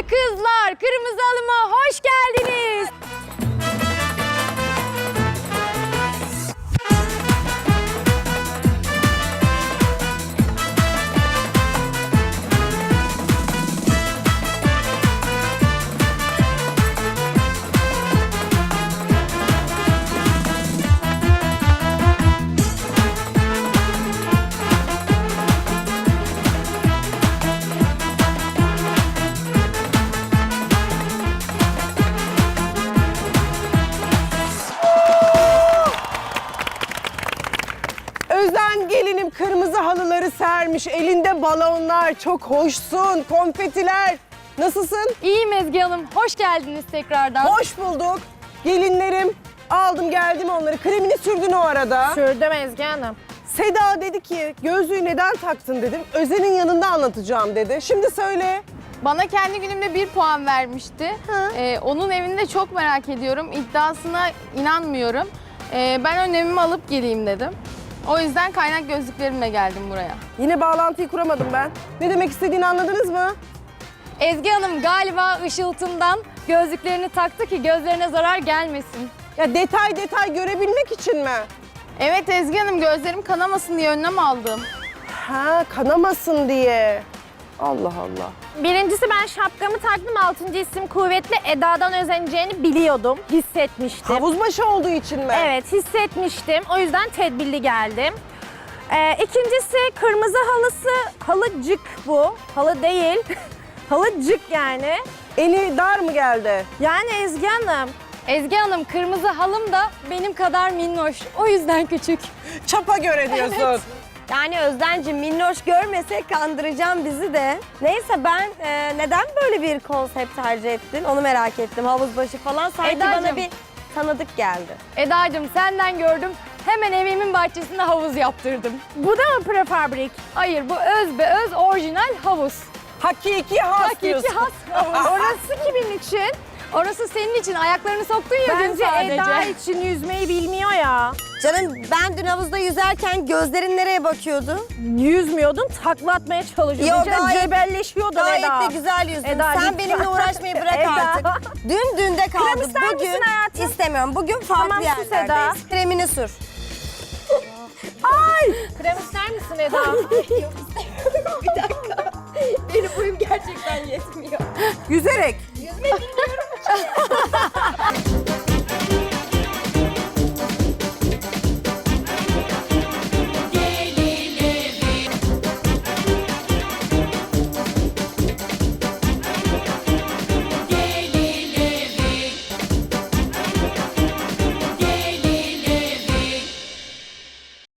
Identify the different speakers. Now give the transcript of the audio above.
Speaker 1: kızlar, kırmızı halıma hoş geldiniz.
Speaker 2: Özden gelinim kırmızı halıları sermiş. Elinde balonlar, çok hoşsun, konfetiler. Nasılsın?
Speaker 1: İyiyim Ezgi Hanım, hoş geldiniz tekrardan.
Speaker 2: Hoş bulduk. Gelinlerim, aldım geldim onları. Kremini sürdün o arada.
Speaker 3: Sürdüm Ezgi Hanım.
Speaker 2: Seda dedi ki gözlüğü neden taktın dedim. Özen'in yanında anlatacağım dedi. Şimdi söyle.
Speaker 4: Bana kendi günümde 1 puan vermişti. Onun evinde çok merak ediyorum. İddiasına inanmıyorum. Ben önlemimi alıp geleyim dedim. O yüzden kaynak gözlüklerimle geldim buraya.
Speaker 2: Yine bağlantıyı kuramadım ben. Ne demek istediğini anladınız mı?
Speaker 1: Ezgi Hanım galiba ışıltımdan gözlüklerini taktı ki gözlerine zarar gelmesin.
Speaker 2: Ya detay detay görebilmek için mi?
Speaker 4: Evet Ezgi Hanım, gözlerim kanamasın diye önlem aldım.
Speaker 2: Ha, kanamasın diye. Allah Allah.
Speaker 3: Birincisi ben şapkamı taktım. 6. isim kuvvetli Eda'dan özeneceğini biliyordum. Hissetmiştim.
Speaker 2: Havuzbaşı olduğu için mi?
Speaker 3: Evet, hissetmiştim. O yüzden tedbirli geldim. İkincisi kırmızı halısı. Halıcık bu. Halı değil. Halıcık yani.
Speaker 2: Eli dar mı geldi?
Speaker 3: Yani Ezgi Hanım.
Speaker 1: Ezgi Hanım kırmızı halım da benim kadar minnoş. O yüzden küçük.
Speaker 2: Çapa göre diyorsun.
Speaker 5: Yani Özden'cim minnoş görmesek kandıracağım bizi de. Neyse ben neden böyle bir konsept tercih ettin onu merak ettim. Havuzbaşı falan sanki
Speaker 1: Edacığım.
Speaker 5: bana bir tanıdık geldi.
Speaker 1: Eda'cığım senden gördüm. Hemen evimin bahçesinde havuz yaptırdım.
Speaker 3: Bu da mı prefabrik?
Speaker 1: Hayır bu öz be öz orijinal havuz.
Speaker 2: Hakiki has
Speaker 1: Hakiki
Speaker 2: diyorsun.
Speaker 1: has havuz.
Speaker 3: Orası kimin için?
Speaker 1: Orası senin için ayaklarını soktun ya dün
Speaker 3: Bence
Speaker 1: sadece.
Speaker 3: Eda için yüzmeyi bilmiyor ya.
Speaker 5: Canım ben dün havuzda yüzerken gözlerin nereye bakıyordu?
Speaker 3: Yüzmüyordun, takla atmaya çalışıyordun.
Speaker 5: Yo, gayet-
Speaker 3: Cebelleşiyordun
Speaker 5: Gayet
Speaker 3: Eda.
Speaker 5: de güzel yüzdün.
Speaker 3: Eda,
Speaker 5: Sen
Speaker 3: lütfen.
Speaker 5: benimle uğraşmayı bırak
Speaker 3: Eda.
Speaker 5: artık. Dün dünde kaldı.
Speaker 3: Krem ister
Speaker 5: Bugün
Speaker 3: misin hayatım?
Speaker 5: istemiyorum. Bugün farklı
Speaker 3: Tamam, sus Eda.
Speaker 5: yerlerdeyiz. Kremini sür.
Speaker 3: Krem ister misin Eda?
Speaker 5: Benim boyum gerçekten yetmiyor.
Speaker 2: Yüzerek.